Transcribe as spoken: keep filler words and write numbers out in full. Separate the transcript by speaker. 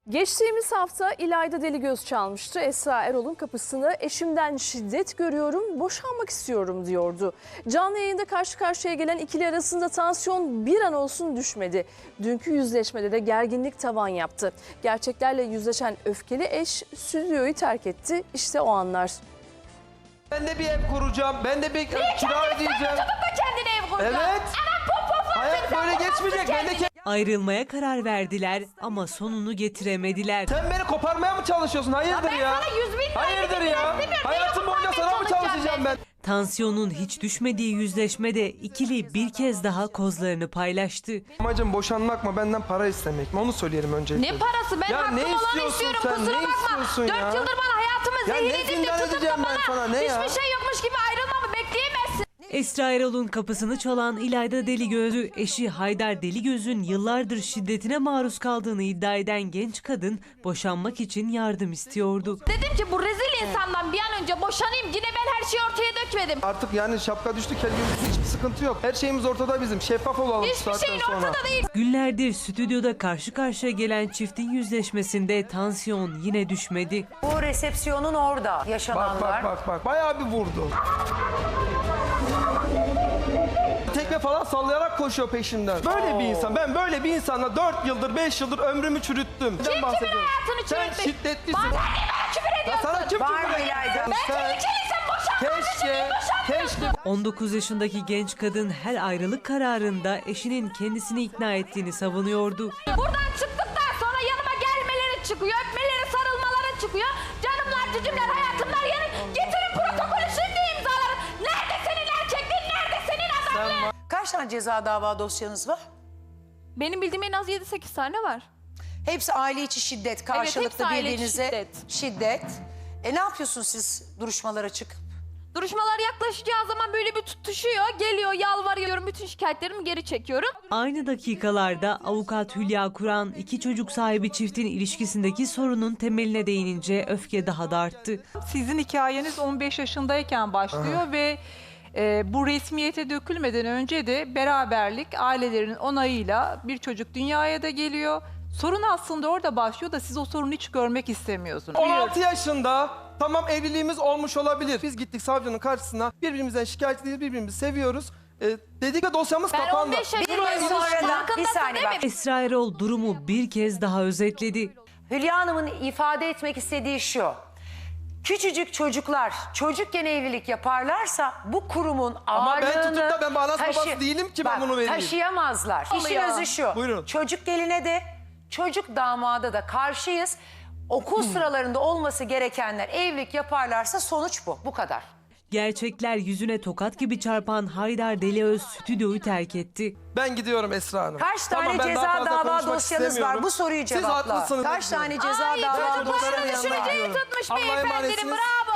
Speaker 1: Geçtiğimiz hafta İlayda Deligöz çalmıştı. Esra Erol'un kapısını eşimden şiddet görüyorum, boşanmak istiyorum diyordu. Canlı yayında karşı karşıya gelen ikili arasında tansiyon bir an olsun düşmedi. Dünkü yüzleşmede de gerginlik tavan yaptı. Gerçeklerle yüzleşen öfkeli eş stüdyoyu terk etti. İşte o anlar.
Speaker 2: Ben de bir ev kuracağım. Ben de bir kira ödeyeceğim.
Speaker 3: Sen tutup da kendine ev kuracaksın.
Speaker 2: Evet.
Speaker 3: Hemen pop pop
Speaker 2: Hayat böyle geçmeyecek. Ben de ke-
Speaker 4: Ayrılmaya karar verdiler ama sonunu getiremediler.
Speaker 2: Sen beni koparmaya mı çalışıyorsun? Hayırdır
Speaker 3: ben
Speaker 2: ya?
Speaker 3: sana yüz bin lira
Speaker 2: Hayırdır
Speaker 3: ödedim,
Speaker 2: ya?
Speaker 3: istemiyorum.
Speaker 2: Hayatım
Speaker 3: Beni
Speaker 2: boyunca sana mı
Speaker 3: koparmaya
Speaker 2: çalışacağım ben?
Speaker 4: Tansiyonun hiç düşmediği yüzleşmede ikili bir kez daha kozlarını paylaştı.
Speaker 2: Amacım boşanmak mı, benden para istemek mi? Onu söyleyelim öncelikle.
Speaker 3: Ne parası? Ben
Speaker 2: Ya
Speaker 3: hakkım
Speaker 2: ne
Speaker 3: olanı
Speaker 2: istiyorsun
Speaker 3: istiyorum.
Speaker 2: sen?
Speaker 3: Kusura
Speaker 2: Ne
Speaker 3: bakma.
Speaker 2: istiyorsun ya?
Speaker 3: Dört yıldır bana hayatımı
Speaker 2: Ya ne
Speaker 3: zehir edip de
Speaker 2: zindan
Speaker 3: tutup da
Speaker 2: edeceğim ben
Speaker 3: bana
Speaker 2: sana, ne ya?
Speaker 3: hiçbir şey yokmuş gibi ayrılmamı bekleyemezsin.
Speaker 4: Esra Erol'un kapısını çalan İlayda Deligöz'ü eşi Haydar Deligöz'ün yıllardır şiddetine maruz kaldığını iddia eden genç kadın boşanmak için yardım istiyordu.
Speaker 3: Dedim ki bu rezil insandan bir an önce boşanayım. Yine ben her şeyi ortaya dökmedim.
Speaker 2: Artık yani şapka düştü, kel gibi hiçbir sıkıntı yok. Her şeyimiz ortada bizim. Şeffaf olalım şu
Speaker 3: Hiçbir
Speaker 2: saatten
Speaker 3: şeyin
Speaker 2: sonra.
Speaker 3: ortada değil.
Speaker 4: Günlerdir stüdyoda karşı karşıya gelen çiftin yüzleşmesinde tansiyon yine düşmedi.
Speaker 5: Bu resepsiyonun orada
Speaker 2: Bak
Speaker 5: yaşananlar.
Speaker 2: bak bak bak. Bayağı bir vurdu. Tekme falan sallayarak koşuyor peşimden. Böyle bir insan. Ben böyle bir insanla dört yıldır, beş yıldır ömrümü çürüttüm.
Speaker 3: Kim kimin hayatını
Speaker 2: Sen
Speaker 3: çürütmüş?
Speaker 2: şiddetlisin.
Speaker 3: Bana sen niye bana küfür
Speaker 2: Ya
Speaker 3: ediyorsun?
Speaker 2: sana kim
Speaker 5: Var
Speaker 2: küfür
Speaker 5: mı
Speaker 2: ediyor?
Speaker 5: İlayda?
Speaker 3: Ben
Speaker 2: Sen-
Speaker 3: tehlikeliysen boşanmak için
Speaker 2: Keşke,
Speaker 3: niye boşanmıyorsun?
Speaker 2: keşke.
Speaker 4: on dokuz yaşındaki genç kadın her ayrılık kararında eşinin kendisini ikna ettiğini savunuyordu.
Speaker 3: Buradan çıktıktan sonra yanıma gelmeleri çıkıyor, öpmeleri, sarılmaları çıkıyor. Canımlar, cücümler, hayatımlar yani getirin protokolü şimdi imzalarım. Nerede senin erkekliğin, nerede senin adamlığın?
Speaker 5: Kaç tane ceza dava dosyanız var?
Speaker 3: Benim bildiğim en az yedi sekiz tane var.
Speaker 5: Hepsi aile içi şiddet, karşılıklı
Speaker 3: hepsi aile içi
Speaker 5: birbirinize
Speaker 3: şiddet.
Speaker 5: şiddet. E ne yapıyorsunuz siz duruşmalara çıkıp?
Speaker 3: Duruşmalar yaklaşacağı zaman böyle bir tutuşuyor, geliyor, yalvarıyorum, bütün şikayetlerimi geri çekiyorum.
Speaker 4: Aynı dakikalarda avukat Hülya Kur'an iki çocuk sahibi çiftin ilişkisindeki sorunun temeline değinince öfke daha da arttı.
Speaker 6: Sizin hikayeniz on beş yaşındayken başlıyor ve e, bu resmiyete dökülmeden önce de beraberlik ailelerin onayıyla bir çocuk dünyaya da geliyor. Sorun aslında orada başlıyor da siz o sorunu hiç görmek istemiyorsunuz.
Speaker 2: on altı yaşında tamam evliliğimiz olmuş olabilir. Biz gittik savcının karşısına, birbirimizden şikayet ediyoruz, birbirimizi seviyoruz. Ee, dedik ve dosyamız
Speaker 3: Ben
Speaker 2: kapandı.
Speaker 3: on beş
Speaker 5: Bir
Speaker 3: yaşındayım.
Speaker 5: yıl sonra da bir
Speaker 3: Farkındasın
Speaker 5: saniye
Speaker 3: değil
Speaker 5: bak.
Speaker 3: mi?
Speaker 4: Esra Erol durumu bir kez daha özetledi.
Speaker 5: Hülya Hanım'ın ifade etmek istediği şu. Küçücük çocuklar çocukken evlilik yaparlarsa bu kurumun
Speaker 2: Ama ben
Speaker 5: ağırlığını...
Speaker 2: tutup da ben bağlas babası değilim ki ben bunu vereyim.
Speaker 5: Taşıyamazlar. İşin
Speaker 3: Oluyor.
Speaker 5: özü şu.
Speaker 2: Buyurun.
Speaker 5: Çocuk geline de çocuk damada da karşıyız. Okul sıralarında olması gerekenler evlilik yaparlarsa sonuç bu. Bu kadar.
Speaker 4: Gerçekler yüzüne tokat gibi çarpan Haydar Deligöz stüdyoyu terk etti.
Speaker 2: Ben gidiyorum Esra Hanım.
Speaker 5: Kaç tane
Speaker 2: Tamam, ben daha
Speaker 5: ceza
Speaker 2: fazla
Speaker 5: dava
Speaker 2: konuşmak
Speaker 5: dosyanız var?
Speaker 2: istemiyorum.
Speaker 5: Bu soruyu
Speaker 2: Siz
Speaker 5: cevapla.
Speaker 2: haklısınız.
Speaker 5: Kaç tane ceza
Speaker 3: Ay
Speaker 5: dava
Speaker 3: çocuklarını
Speaker 2: Çocukların yanına
Speaker 3: düşüreceği
Speaker 2: gidiyorum.
Speaker 3: tutmuş
Speaker 2: Allah'a
Speaker 3: beyefendinin,
Speaker 2: emanetsiniz.
Speaker 3: bravo.